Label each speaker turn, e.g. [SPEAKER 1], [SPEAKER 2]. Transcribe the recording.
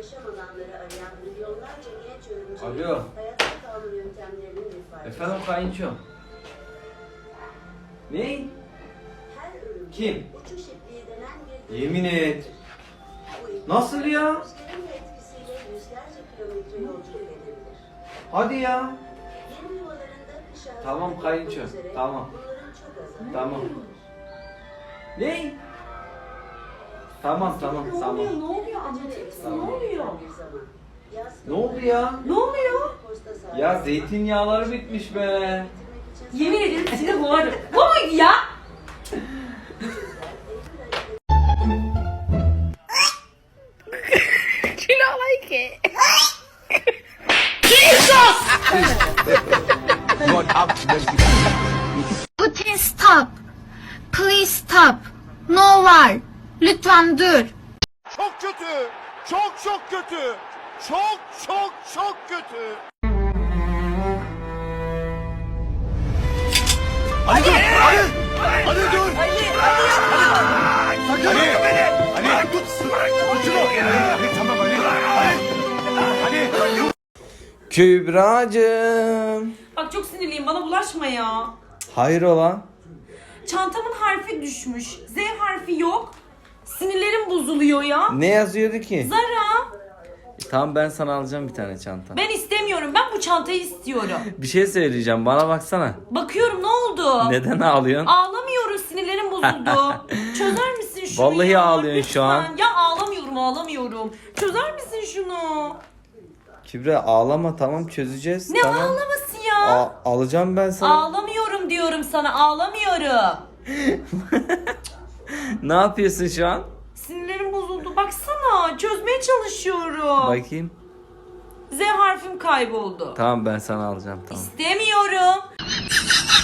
[SPEAKER 1] yaşam alanları arayan milyonlarca genç yorumcu
[SPEAKER 2] Alo.
[SPEAKER 1] hayatta kalma yöntemlerinin ifadesi.
[SPEAKER 2] Efendim kayınço. Ne?
[SPEAKER 1] Her ürün
[SPEAKER 2] Kim?
[SPEAKER 1] uçuş ipliği denen bir
[SPEAKER 2] Yemin et.
[SPEAKER 1] Bu iplik,
[SPEAKER 2] Nasıl ya?
[SPEAKER 1] rüzgarın etkisiyle yüzlerce kilometre yolculuk edebilir.
[SPEAKER 2] Hadi ya.
[SPEAKER 1] Yeni yuvalarında kış ağzı
[SPEAKER 2] Tamam kayınço,
[SPEAKER 1] yapmak üzere
[SPEAKER 2] tamam.
[SPEAKER 1] bunların çok azı.
[SPEAKER 2] Tamam. Ne? Tamam tamam
[SPEAKER 3] Ne
[SPEAKER 2] tamam.
[SPEAKER 3] oluyor? Ne oluyor? Anlatır mısın? Ne oluyor?
[SPEAKER 2] Ne oldu ya?
[SPEAKER 3] Ne oluyor?
[SPEAKER 2] Ya zeytinyağları bitmiş be.
[SPEAKER 3] Yemin ederim seni boğarım. Bu muydu ya?
[SPEAKER 4] You don't like it.
[SPEAKER 5] Putin stop. Please stop. No var. Lütfen dur.
[SPEAKER 6] Çok kötü. Çok çok kötü. Çok çok çok kötü. Ali dur. Ali dur. Sakın beni. Ali tut. Tut şunu. Ali tamam Ali. Ali.
[SPEAKER 2] Kübracığım.
[SPEAKER 3] Bak çok sinirliyim. Bana bulaşma ya.
[SPEAKER 2] Hayrola?
[SPEAKER 3] Çantamın harfi düşmüş. Z harfi yok. Sinirlerim bozuluyor ya.
[SPEAKER 2] Ne yazıyordu ki?
[SPEAKER 3] Zara.
[SPEAKER 2] Tamam ben sana alacağım bir tane çanta.
[SPEAKER 3] Ben istemiyorum. Ben bu çantayı istiyorum.
[SPEAKER 2] Bir şey söyleyeceğim bana baksana.
[SPEAKER 3] Bakıyorum ne oldu?
[SPEAKER 2] Neden ağlıyorsun?
[SPEAKER 3] Ağlamıyorum. Sinirlerim bozuldu. Çözer misin şunu
[SPEAKER 2] Vallahi
[SPEAKER 3] ya?
[SPEAKER 2] ağlıyorsun şu an.
[SPEAKER 3] Lütfen. Ya ağlamıyorum. Çözer misin şunu?
[SPEAKER 2] Kübra ağlama tamam çözeceğiz.
[SPEAKER 3] Ne
[SPEAKER 2] tamam.
[SPEAKER 3] ağlaması ya?
[SPEAKER 2] Alacağım ben sana.
[SPEAKER 3] Ağlamıyorum diyorum sana. Ağlamıyorum.
[SPEAKER 2] Ne yapıyorsun şu an?
[SPEAKER 3] Sinirlerim bozuldu. Baksana. Çözmeye çalışıyorum.
[SPEAKER 2] Bakayım.
[SPEAKER 3] Z harfim kayboldu.
[SPEAKER 2] Tamam ben sana alacağım tamam.
[SPEAKER 3] İstemiyorum.